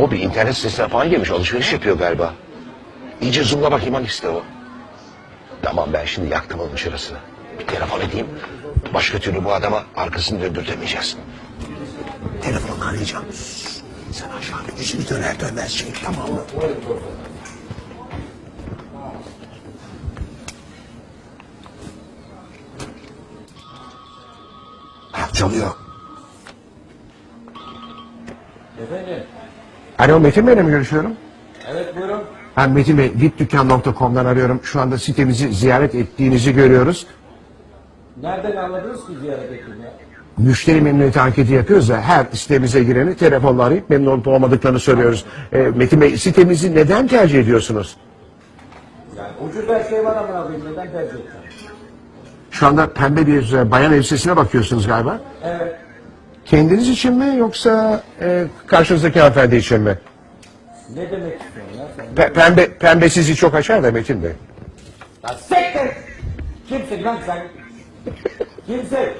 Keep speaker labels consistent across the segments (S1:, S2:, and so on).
S1: O bir internet sitesine falan girmiş, alışveriş yapıyor galiba. İyice zoomla bakayım hangisi de o. Tamam, ben şimdi yaktım onun şurasını. Bir telefon edeyim. Başka türlü bu adama arkasını döndürtemeyeceğiz. Telefonla arayacağım. Sen aşağıda yüzünü döner dönmez çek, tamam mı? Ha, çalıyor.
S2: Efendim?
S1: Alo, Metin Bey'le mi görüşüyorum?
S2: Evet buyurun.
S1: Ben Metin Bey, vipdükkan.com'dan arıyorum. Şu anda sitemizi ziyaret ettiğinizi görüyoruz.
S2: Nereden anladınız ki ziyaret ettiğini?
S1: Müşteri memnuniyeti anketi yapıyoruz da her sitemize gireni telefonla arayıp memnun olup olmadıklarını soruyoruz. Metin Bey, sitemizi neden tercih ediyorsunuz?
S2: Yani ucuz her şey var ama abi neden tercih edeceğim?
S1: Şu anda pembe bir bayan elbisesine bakıyorsunuz galiba.
S2: Evet.
S1: Kendiniz için mi yoksa karşınızdaki hanımefendi için mi?
S2: Ne demek istiyorsun ya sen?
S1: Pembe sizi çok açar da Metin Bey.
S2: Lan siktir! Kimsin lan sen? Kimsin?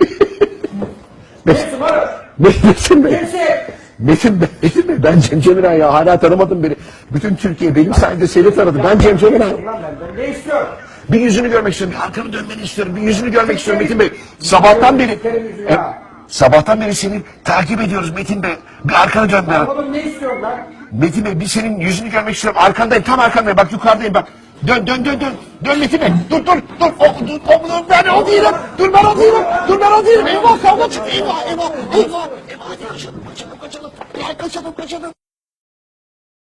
S2: Kimsin oğlum?
S1: Metin Bey.
S2: Kimsin?
S1: Metin Bey, ben Cem Cemiray ya, hala tanımadım beni. Bütün Türkiye benim sayemde seni tanıdı. Ben Cem Cemiray.
S2: Lan benden ne istiyorsun?
S1: Bir yüzünü görmek istiyorum, bir arkanı dönmeni istiyorum, bir yüzünü görmek istiyorum Metin Bey. Sabahtan beri, sabahtan beri seni takip ediyoruz Metin Bey. Bir arkanı dön bana.
S2: Oğlum ne istiyorsun lan?
S1: Metin Bey, bir senin yüzünü görmek istiyorum. Arkandayım, tam arkandayım. Bak yukarıdayım bak. Dön. Dön Metin Bey. Dur. Ben o değilim. Dur ben o değilim. Eyvah, kavga çıktı. Eyvah. Hadi kaçalım. Gel kaçalım.